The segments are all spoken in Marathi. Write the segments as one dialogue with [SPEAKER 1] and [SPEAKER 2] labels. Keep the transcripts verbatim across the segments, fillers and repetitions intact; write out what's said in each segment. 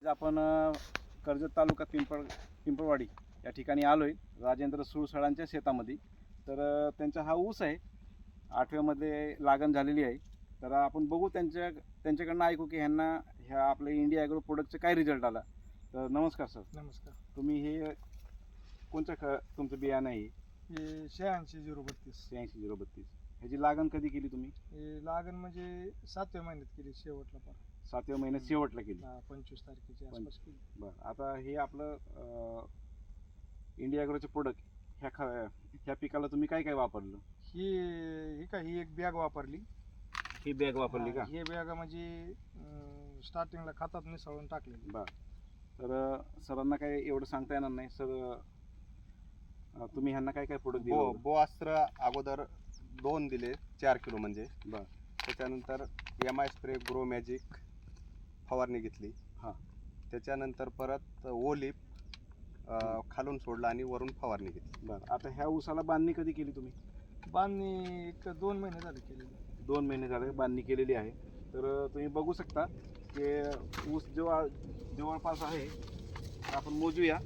[SPEAKER 1] आपण अ, कर्जत तालुका पिंपळ पिंपळवाडी या ठिकाणी आलोय राजेंद्र सुळसळांच्या शेतामध्ये. तर अ, त्यांचा हा ऊस आहे, आठव्यामध्ये लागण झालेली आहे. तर आपण बघू त्यांच्या त्यांच्याकडनं ऐकू की ह्यांना ह्या आपल्या इंडिया ॲग्रो प्रोडक्टचा काय रिझल्ट आला. तर नमस्कार सर.
[SPEAKER 2] नमस्कार.
[SPEAKER 1] तुम्ही हे कोणत्या ख तुमचं बियाणं आहे?
[SPEAKER 2] हे शहाऐंशी झिरो बत्तीस.
[SPEAKER 1] शहाऐंशी झिरो बत्तीस. ह्याची लागण कधी केली तुम्ही?
[SPEAKER 2] हे लागण म्हणजे सातव्या महिन्यात केली, शेवटला पार
[SPEAKER 1] सातव्या महिन्यात शेवटला केली.
[SPEAKER 2] हा, पंचवीस तारखेच्या आसपास केली.
[SPEAKER 1] बरं, आता हे आपलं इंडिया ॲग्रोचे प्रोडक्ट ह्या ख ह्या पिकाला तुम्ही काय काय वापरलं?
[SPEAKER 2] ही ही काय ही एक बॅग वापरली.
[SPEAKER 1] ही बॅग वापरली का?
[SPEAKER 2] हा, ही बॅग म्हणजे स्टार्टिंगला खतात मिसळून टाकलेली.
[SPEAKER 1] बरं, तर अ, सरांना काय एवढं सांगता येणार नाही सर. अ, तुम्ही ह्यांना काय काय प्रोडक्ट दिले?
[SPEAKER 3] बो बोआस्त्र अगोदर दोन दिले, चार किलो म्हणजे.
[SPEAKER 1] बरं.
[SPEAKER 3] त्याच्यानंतर M I spray grow magic फवारणी घेतली.
[SPEAKER 1] हां.
[SPEAKER 3] त्याच्यानंतर परत ओलिप खालून सोडला आणि वरून फवारणी घेतली.
[SPEAKER 1] बरं, आता ह्या ऊसाला बांधणी कधी केली तुम्ही?
[SPEAKER 2] बांधणी एक दोन महिने झाले केलेली.
[SPEAKER 1] दोन महिने झाले बांधणी केलेली आहे. तर अ, तुम्ही बघू शकता की ऊस जवळ जवळपास आहे. आपण मोजूया.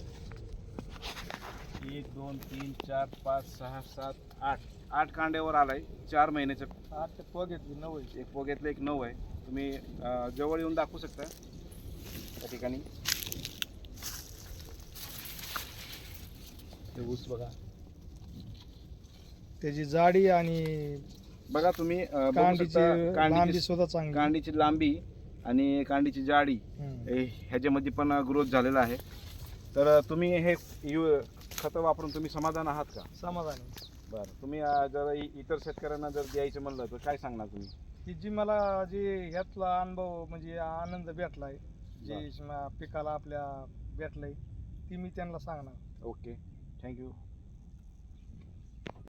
[SPEAKER 1] एक दोन तीन चार पाच सहा सात आठ आठ कांड्यावर आलाय चार महिन्याचं.
[SPEAKER 2] आठ ते पग घेतली, नऊ आहे.
[SPEAKER 1] एक पोग्यातलं एक नऊ आहे. तुम्ही अ, जवळ येऊन दाखवू शकता त्या ठिकाणी. हे ऊस बघा,
[SPEAKER 2] त्याची जाडी आणि
[SPEAKER 1] बघा तुम्ही अ, बघू
[SPEAKER 2] कांडीची
[SPEAKER 1] शकता
[SPEAKER 2] लांबी
[SPEAKER 1] कांडीची
[SPEAKER 2] सुद्धा चांगली.
[SPEAKER 1] कांडीची लांबी आणि कांडीची जाडी
[SPEAKER 2] हम्म.
[SPEAKER 1] हे- ह्याच्यामध्ये पण ग्रोथ झालेला आहे. तर अ, तुम्ही हे यु खतं वापरून तुम्ही समाधान आहात का?
[SPEAKER 2] समाधानी.
[SPEAKER 1] बरं, तुम्ही अ, जर इ- इतर शेतकऱ्यांना जर द्यायचं म्हणलं तर काय सांगणार तुम्ही?
[SPEAKER 2] की जी मला जे ह्यातला अनुभव म्हणजे आनंद भेटलाय, जे म- पिकाला आपल्या भेटलंय, ती मी त्यांना सांगणार.
[SPEAKER 1] Okay, thank you.